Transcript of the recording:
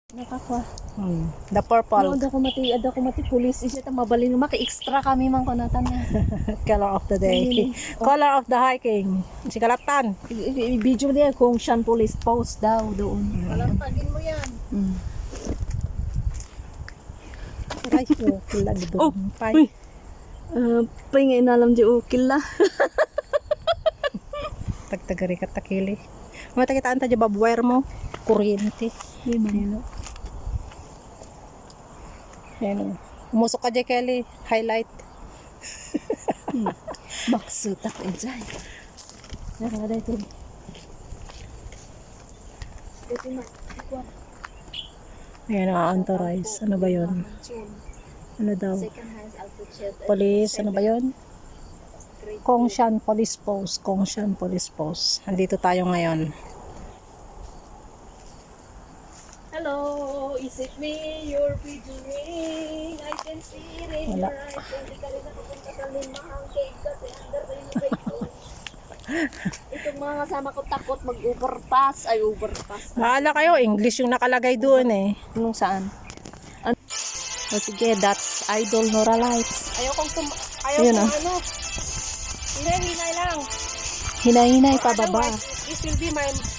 Nakakwa. The purple. Ada ko mati pulis isya ta mabalin maki-extra kami man kunatan na. Color of the day. Color of the hiking. Si Kalatan. Video niya kung siyang police post daw doon. Palampagin mo yan. Ay, kila doon. Uy. Pay nga inalam di ukil la. Tagtagari ka takili. Matakitaan ta di babwire mo. Kuryente. Di man. Yan. Umusok ka di Kelly. Highlight. Maksud ako enjoy. Nakada ito. Ayan, authorize. Ano ba yun? Ano daw? Police, ano ba yun? Kongshan Police Post. Kongshan Police Post. Andito tayo ngayon. Hello, is it me you're videoing? I can see it in Wala. your eyes. Hindi ka rin nakapunta sa limahang cave kasi under renovation. Itong mga kasama ko takot mag-overpass. Ay, overpass. Maala kayo, English yung nakalagay doon eh. Anong saan? O sige, that's Idol Nora Lights. Ayaw kong Ayun, Hinay lang. Hinay-hinay pababa. Otherwise, it will be my